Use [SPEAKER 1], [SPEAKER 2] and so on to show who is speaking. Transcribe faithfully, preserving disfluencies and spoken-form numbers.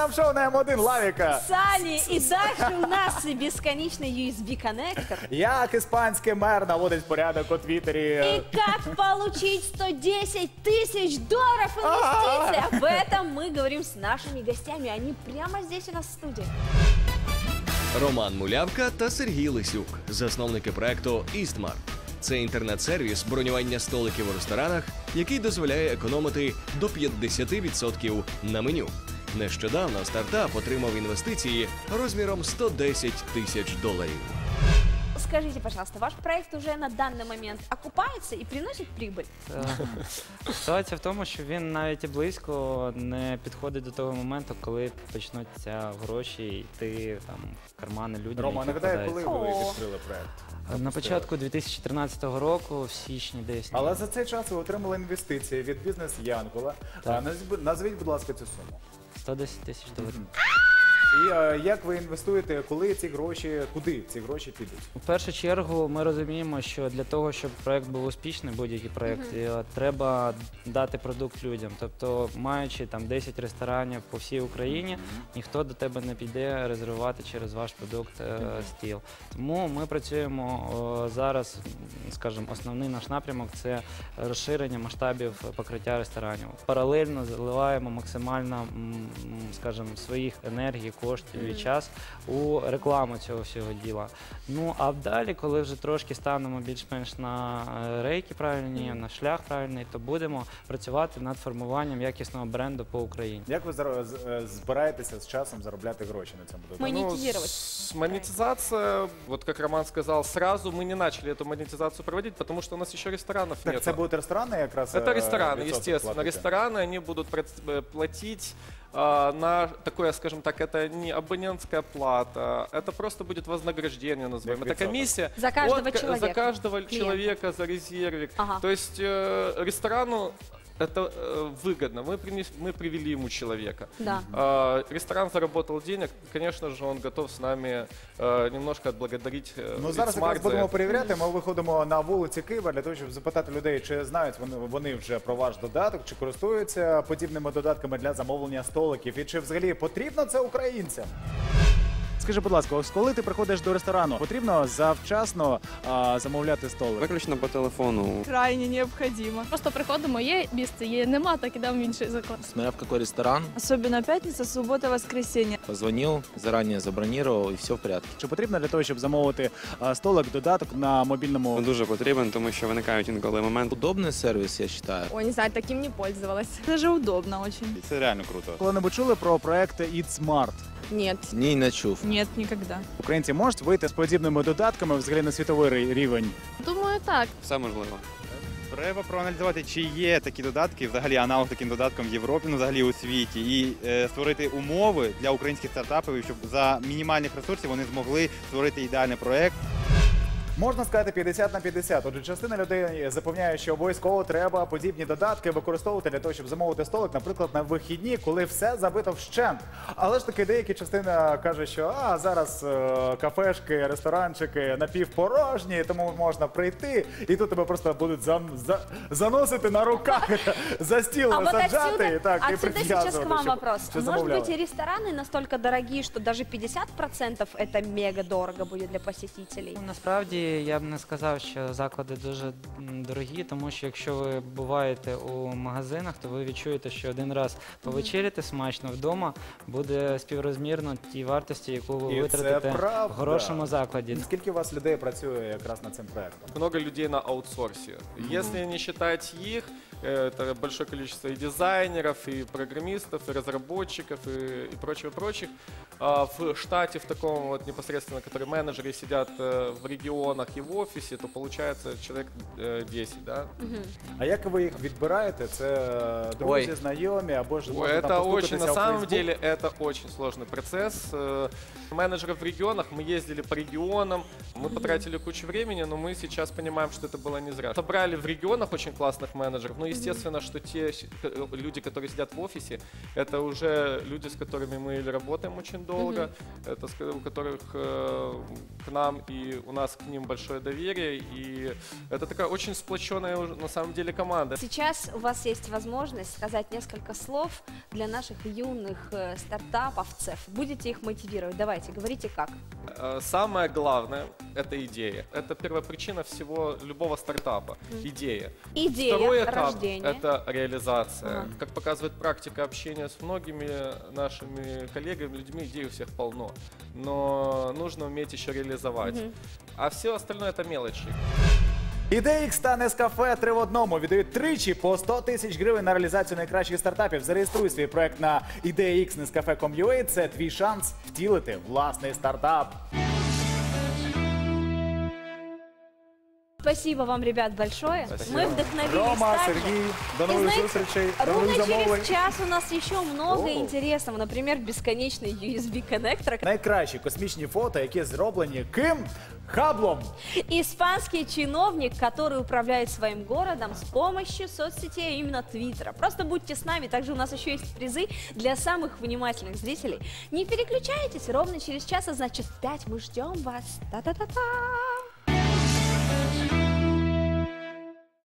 [SPEAKER 1] ранковому шоу на М один Лавіка.
[SPEAKER 2] Сани, и дальше у нас бесконечный ю эс би-коннектор.
[SPEAKER 1] Як іспанський мер наводить порядок у Твіттері.
[SPEAKER 2] И как получить сто десять тысяч долларов инвестиций. Об этом мы говорим с нашими гостями. Они прямо здесь у нас в студии.
[SPEAKER 3] Роман Мулявка та Сергій Лисюк, засновники проекту «Істмарт». Це інтернет-сервіс бронювання столиків у ресторанах, який дозволяє економити до п'ятдесят відсотків на меню. Нещодавно стартап отримав інвестиції розміром сто десять тисяч доларів.
[SPEAKER 2] Скажите, пожалуйста, ваш проект уже на данный момент окупается и приносит прибыль?
[SPEAKER 4] Ситуація в тому, що він навіть і близько не підходить до того моменту, коли почнуться гроші йти там в кармани людям.
[SPEAKER 1] Рома,
[SPEAKER 4] які
[SPEAKER 1] нагадаю, коли
[SPEAKER 4] вкладаються.
[SPEAKER 1] ви відкрили проект?
[SPEAKER 4] На початку дві тисячі тринадцятого року, в січні десь.
[SPEAKER 1] Але за цей час ви отримали інвестиції від бізнес Янгола.
[SPEAKER 4] Так.
[SPEAKER 1] Назвіть, назвіть, будь ласка, цю суму.
[SPEAKER 4] сто десять тисяч доларів.
[SPEAKER 1] І е, як ви інвестуєте, коли ці гроші, куди ці гроші підуть?
[SPEAKER 4] У першу чергу ми розуміємо, що для того, щоб проект був успішний, будь-який проект, е, треба дати продукт людям. Тобто, маючи там десять ресторанів по всій Україні, ніхто до тебе не піде резервувати через ваш продукт е, стіл. Тому ми працюємо о, зараз, скажімо, основний наш напрямок – це розширення масштабів покриття ресторанів. Паралельно заливаємо максимально, м, скажімо, своїх енергій, коштів і час у рекламу цього всього діла. Ну, а далі, коли вже трошки станемо більш-менш на е, рейки правильні, на шлях правильний, то будемо працювати над формуванням якісного бренду по Україні.
[SPEAKER 1] Як ви зар- з- е, збираєтеся з часом заробляти гроші на цьому продукті?
[SPEAKER 2] Мы-
[SPEAKER 5] Ну,
[SPEAKER 2] Монетизировать.
[SPEAKER 5] с- монетизация, вот как Роман сказал, сразу мы не начали эту монетизацию проводить, потому что у нас еще ресторанов
[SPEAKER 1] Так,
[SPEAKER 5] нет.
[SPEAKER 1] це будуть ресторани якраз?
[SPEAKER 5] Это
[SPEAKER 1] е,
[SPEAKER 5] рестораны,
[SPEAKER 1] відсоток
[SPEAKER 5] естественно.
[SPEAKER 1] платити?
[SPEAKER 5] Рестораны, они будут проц- э, платить а, на такое, скажем так, это не абонентская плата, это просто будет вознаграждение, назовем.
[SPEAKER 1] Как
[SPEAKER 5] Это
[SPEAKER 1] відсоток.
[SPEAKER 5] комиссия
[SPEAKER 2] За каждого
[SPEAKER 5] от ка-
[SPEAKER 2] человека,
[SPEAKER 5] За каждого
[SPEAKER 2] клиента.
[SPEAKER 5] человека, за резервик.
[SPEAKER 2] Ага.
[SPEAKER 5] То есть э, ресторану это э, выгодно. Мы, принес- мы привели ему человека.
[SPEAKER 2] Да.
[SPEAKER 5] А, ресторан заработал денег, конечно же, он готов с нами э, немножко отблагодарить э,
[SPEAKER 1] Ну, зараз
[SPEAKER 5] Itsmart
[SPEAKER 1] якраз
[SPEAKER 5] за
[SPEAKER 1] будемо
[SPEAKER 5] это.
[SPEAKER 1] перевіряти. Ми виходимо на вулиці Києва для того, щоб запитати людей, чи знають вони, вони вже про ваш додаток, чи користуються подібними додатками для замовлення столиків, і чи взагалі потрібно це українцям? Скажи, будь ласка, ось коли ти приходиш до ресторану, потрібно завчасно а, замовляти столик?
[SPEAKER 6] Виключно по телефону.
[SPEAKER 7] Крайне необходимо. Просто приходимо, є місце, є нема, так ідемо в інший заклад.
[SPEAKER 8] Смотря в какой ресторан,
[SPEAKER 7] Особенно п'ятниця, субота, воскресенье.
[SPEAKER 8] позвонил, заранее забронировал, и все в порядке.
[SPEAKER 1] Чи потрібно для того, щоб замовити а, столик, додаток на мобільному?
[SPEAKER 6] Дуже потрібен, тому що виникають інколи моменти.
[SPEAKER 8] Удобный сервис, я считаю.
[SPEAKER 7] Ой, не знаю, таким не пользовалась. Даже удобно очень.
[SPEAKER 6] Це реально круто.
[SPEAKER 1] Коли-небудь чули про проект «Itsmart»?
[SPEAKER 7] Нет.
[SPEAKER 8] Не не чув.
[SPEAKER 7] Нет, никогда.
[SPEAKER 1] Українці можуть вийти з подібними додатками взагалі на світовий рі- рівень?
[SPEAKER 7] Думаю, так.
[SPEAKER 6] Все можливо.
[SPEAKER 9] Треба проаналізувати, чи є такі додатки, взагалі аналог таким додаткам в Європі, ну, взагалі у світі, і е, створити умови для українських стартапів, щоб за мінімальних ресурсів вони змогли створити ідеальний проект.
[SPEAKER 1] Можна сказати п'ятдесят на п'ятдесят. Отже, частина людей запевняє, що обов'язково треба подібні додатки використовувати для того, щоб замовити столик, наприклад, на вихідні, коли все забито вщент. Але ж таки деякі частина каже, що а зараз е, кафешки, ресторанчики напівпорожні, тому можна прийти, і тут тебе просто будуть зам, за, заносити на руках за стіл,
[SPEAKER 2] А вот
[SPEAKER 1] саджати
[SPEAKER 2] отсюда,
[SPEAKER 1] і так і
[SPEAKER 2] отсюда сейчас
[SPEAKER 1] прив'язувати,
[SPEAKER 2] к вам
[SPEAKER 1] щоб-
[SPEAKER 2] вопрос.
[SPEAKER 1] щоб
[SPEAKER 2] Может
[SPEAKER 1] замовляли.
[SPEAKER 2] быть, и рестораны настолько дорогие, что даже пятьдесят процентов это мега дорого будет для посетителей?
[SPEAKER 4] Ну, Насправді я б не сказав, що заклади дуже м, дорогі, тому що якщо ви буваєте у магазинах, то ви відчуєте, що один раз повечеряти смачно вдома буде співрозмірно тій вартості, яку ви
[SPEAKER 1] І це
[SPEAKER 4] витратите
[SPEAKER 1] правда.
[SPEAKER 4] в хорошому закладі.
[SPEAKER 1] Скільки у вас людей працює якраз над цим проектом?
[SPEAKER 5] Много людей на аутсорсе. Если не считать их, э, это большое количество и дизайнеров, и программистов, и разработчиков, и, и прочего-прочих. А в штате, в таком вот непосредственно, которые менеджеры сидят э, в регионах и в офисе, то получается человек э, десять, да?
[SPEAKER 1] А як ви їх відбираєте? Це е, друзі,
[SPEAKER 5] Ой.
[SPEAKER 1] знайомі, або ж
[SPEAKER 5] Ой,
[SPEAKER 1] можна там
[SPEAKER 5] это
[SPEAKER 1] постукатися
[SPEAKER 5] очень, на
[SPEAKER 1] в
[SPEAKER 5] самом
[SPEAKER 1] Facebook?
[SPEAKER 5] деле, это очень сложный процесс. Э, Менеджеров в регионах, мы ездили по регионам, мы потратили кучу времени, но мы сейчас понимаем, что это было не зря. Собрали в регионах очень классных менеджеров, но естественно, что те щ- э, люди, которые сидят в офисе, это уже люди, с которыми мы или работаем очень долго, это, ска- у которых э, к нам и у нас к ним большое доверие. И это такая очень сплоченная уже, на самом деле команда.
[SPEAKER 2] Сейчас у вас есть возможность сказать несколько слов для наших юных э, стартаповцев. Будете их мотивировать? Давайте, говорите как.
[SPEAKER 5] Э, Самое главное – это идея. Это первопричина всего любого стартапа – идея.
[SPEAKER 2] Идея
[SPEAKER 5] Второй этап
[SPEAKER 2] рождения.
[SPEAKER 5] – это реализация.
[SPEAKER 2] Ага.
[SPEAKER 5] Как показывает практика общения с многими нашими коллегами, людьми, идей у всех полно. Но нужно уметь еще реализовать. А все остальное – это мелочи.
[SPEAKER 1] ідея Ікс та Нескафе три в одному віддають тричі по сто тисяч гривень на реалізацію найкращих стартапів. Зареєструй свій проект на ідея ікс нескафе крапка ком крапка ю а. Це твій шанс втілити власний стартап.
[SPEAKER 2] Спасибо вам, ребят, большое.
[SPEAKER 5] Спасибо.
[SPEAKER 2] Мы вдохновились
[SPEAKER 1] Рома,
[SPEAKER 2] также.
[SPEAKER 1] Сергій, до
[SPEAKER 2] И
[SPEAKER 1] нових
[SPEAKER 2] знаете,
[SPEAKER 1] зустрічей, до
[SPEAKER 2] ровно
[SPEAKER 1] нових замовлень.
[SPEAKER 2] через час у нас еще много
[SPEAKER 1] О.
[SPEAKER 2] интересного. Например, бесконечный ю эс би-коннектор.
[SPEAKER 1] Найкращі космічні фото, які зроблені ким? Хаблом.
[SPEAKER 2] Испанский чиновник, который управляет своим городом с помощью соцсетей, а именно Твиттера. Просто будьте с нами. Также у нас еще есть призы для самых внимательных зрителей. Не переключайтесь, ровно через час, а значит пять мы ждем вас. Та-та-та-та!